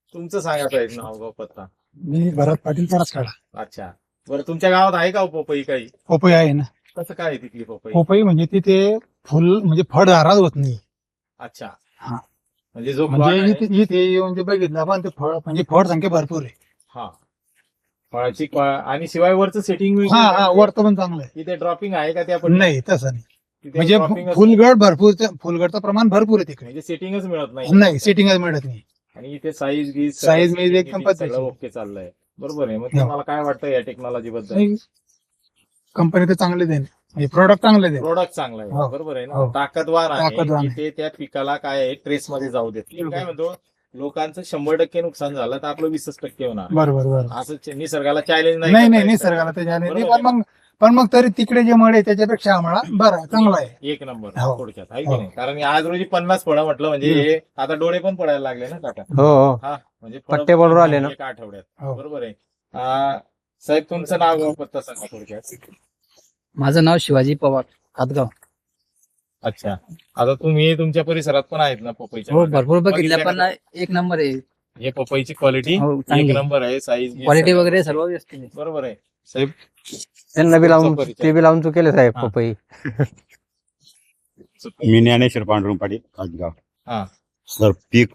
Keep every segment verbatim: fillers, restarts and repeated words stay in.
तुमचं सांगा साहेब नाव गाव पत्ता. मी भरत पाटील काढा. अच्छा, बरं तुमच्या गावात आहे का हो पपई काही? पपई आहे ना. कसं काय आहे तिथली पपई? पपई म्हणजे तिथे फुल म्हणजे फळ दारात होत नाही. अच्छा, हा. म्हणजे जो plot म्हणजे आहे- इथे इथे येऊन ते बघितलं आपण ते फळ म्हणजे फळ संख्या भरपूर आहे. हा, फळाची क्वा- आणि शिवाय वरचं सेटिंग हा हा वरतं पण चांगलं आहे. तिथे ड्रॉपिंग आहे का त्या पण? नाही तसं नाही. तिथे म्हणजे dropping असतं. फुलगड भरपूर फुलगडचं प्रमाण भरपूर आहे तिकडे. म्हणजे सेटिंगच मिळत नाही. नाही सेटिंगच मिळत नाही. आणि इथे साईज गीज Size बीज एकदम पद्धतशीर. सगळं ओके चाललंय. बरोबर आहे. मग हो. तुम्हाला काय वाटतं या टेक्नॉलॉजी बद्दल? नाही, कंपनी तर चांगले देणे म्हणजे प्रोडक्ट चांगले देणे. प्रोडक्ट चांगला आहे. हो. बरोबर आहे ना. हो. ताकदवार ताकदवार आहे आहे. की ते त्या पिकाला काय आहे ट्रेस मध्ये जाऊ देत. मी काय म्हणतो, लोकांचं शंभर टक्के नुकसान झालं तर आपलं वीसच टक्के होणार. बरोबर बरोबर. असं निसर्गाला चॅलेंज नाही. नाही नाही करता येत. निसर्गाला त्याच्या नाही. बरोबर पण मग पण मग तरी तिकडे जे मळे त्याच्यापेक्षा आम्हाला बरं चांगला आहे. एक नंबर हो. थोडक्यात आहे की हो. नाही. कारण आज रोजी पन्नास फळं म्हटलं म्हणजे हम्म. हे आता डोळे पण पडायला लागले ना काका. हो हो हा म्हणजे फळं पट्टे पडून राहिले ना. एका आठवड्यात. हो. बरोबर आहे. आ, साहेब तुमचं नाव गाव पत्ता सांगा थोडक्यात. माझं नाव शिवाजी पवार हातगाव. अच्छा, आता तुम्ही तुमच्या परिसरात पण आहेत ना पपईच्या हो बागा? भरपूर बघितल्या पण बघितल्या एक नंबर आहे. हे पपईची क्वालिटी हो एक चांगली नंबर आहे. साईज क्वालिटी वगैरे सर्व व्यवस्थित आहे. बरोबर आहे. साहेब त्यांना बी लावून परिचय. ते बी लावून चुकेले साहेब हा. पपई. मी ज्ञानेश्वर पांडुरंग पाटील काटगाव. हा. सर पीक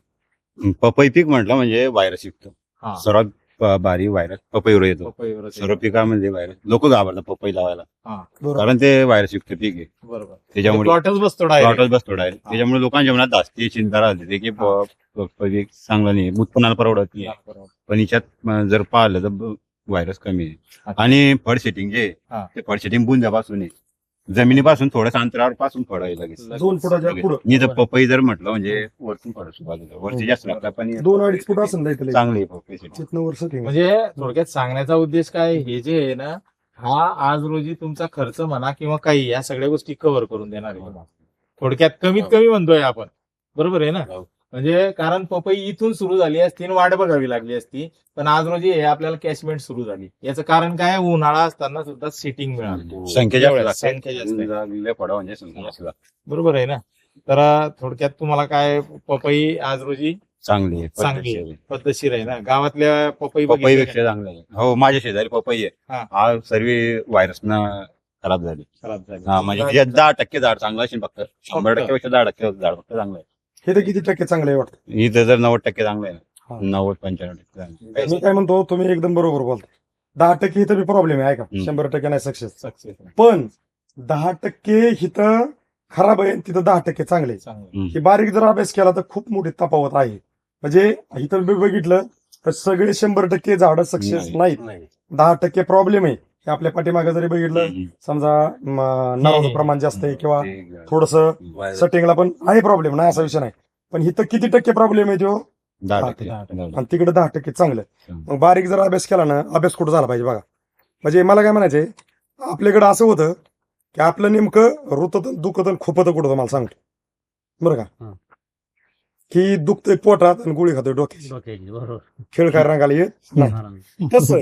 पपई पीक म्हटलं म्हणजे व्हायरस युक्त हा. सर्वात ब- भारी व्हायरस पपईवर येतो. पपईवर आहे. सर्व पिकामध्ये व्हायरस लोक घाबरतात पपई लावायला हा. कारण ते व्हायरस युक्त पीक आहे. बरोबर. त्याच्यामुळे प्लॉटच बसतो direct. प्लॉटच बसतो डायरेक्ट. त्याच्यामुळे लोकांच्या मनात जास्ती चिंता राहते की प- पपई चांगला नाही उत्पन्नाला परवडत नाही. बरोबर. पण याच्यात म, जर पाहिलं तर व्हायरस कमी आहे. अच्छा. आणि फळ सेटिंग जे हा. आहे, ते फळ सेटिंग बुंजापासून आहे. जमिनीपासून थोड्याच अंतरावर पासून फळ आहे लगेच. दोन फुटाच्या पुढं मी तर पपई जर म्हटलं म्हणजे वरतून फळ सुरुवात होतं. वरती जास्त लागला पण दोन अडीच फुट असेल ना इथले. चांगली आहे पपई setting. तिथनं वर्ष ठेवून. म्हणजे थोडक्यात सांगण्याचा उद्देश काय, हे जे आहे ना, हा आज रोजी तुमचा खर्च म्हणा किंवा काही या सगळ्या गोष्टी कव्हर करून देणार आहे. थोडक्यात कमीत कमी म्हणतोय आपण. बरोबर आहे ना. म्हणजे कारण पपई इथून सुरू झाली असती आणि वाट बघावी लागली असती, पण आज रोजी हे आपल्याला कॅशमेंट सुरू झाली. याचं कारण काय, उन्हाळा असताना सुद्धा सिटिंग मिळाली. संख्या जास्त एवढ्या, लागते. संख्या जास्त आहे. लागलेल्या फळं म्हणजे संख्या जास्त लागते. बरोबर आहे ना. तर थोडक्यात तुम्हाला काय पपई आज रोजी चांगली आहे चांगली पद्धतशीर आहे, आहे. पद्धतशीर आहे ना. गावातल्या पपई पपई बघितल्या पेक्षा चांगलं आहे. हो माझ्या शेजारी पपई हा. आहे. हा सर्व व्हायरस न खराब झाली. खराब झाली. हा म्हणजे त्याच्यात दहा टक्के झाड चांगलं असेल फक्त. शंभर टक्के पेक्षा दहा टक्के झाड फक्त चांगलं आहे. हे तर किती टक्के चांगलं आहे वाटतं. इथं जर नव्वद टक्के चांगलं आहे हा. ना, नव्वद पंच्याण्णव टक्के चांगलं आहे. मी काय म्हणतो, तुम्ही एकदम बरोबर बोलता. दहा टक्के इथं बी प्रॉब्लेम आहे का, हम्म. शंभर टक्के नाही सक्सेस. सक्सेस पण दहा टक्के इथं खराब आहे, तिथं दहा टक्के चांगले आहे. चांगलं. ही बारीक जर अभ्यास केला तर खूप मोठी तफावत आहे. म्हणजे इथं बी बघितलं तर सगळे शंभर टक्के झाडं सक्सेस नाही. नाहीत. दहा टक्के प्रॉब्लेम आहे. हे आपल्या पाठीमागे जरी बघितलं, हम्म. समजा म, नारळाचं प्रमाण जास्त आहे किंवा ते थोडस virus सेटिंगला पण आहे प्रॉब्लेम, नाही असा विषय नाही. पण इथं किती टक्के प्रॉब्लेम आहे तो, दहा दहा टक्के. टक्के. दहा टक्के. आणि तिकडे दहा टक्के चांगलं. हम्म. मग बारीक जर अभ्यास केला ना, अभ्यास कुठं झाला पाहिजे बघा. म्हणजे मला काय म्हणायचंय, आपल्याकडे असं होतं की आपलं नेमकं रुतत दुखत आणि खुपत कुठं होतं मला सांगतो बरं का, हं. की दुखतंय पोटात आणि गोळी खातोय डोक्याची, बरोबर खेळ काय रंगाला येत नाही. तसं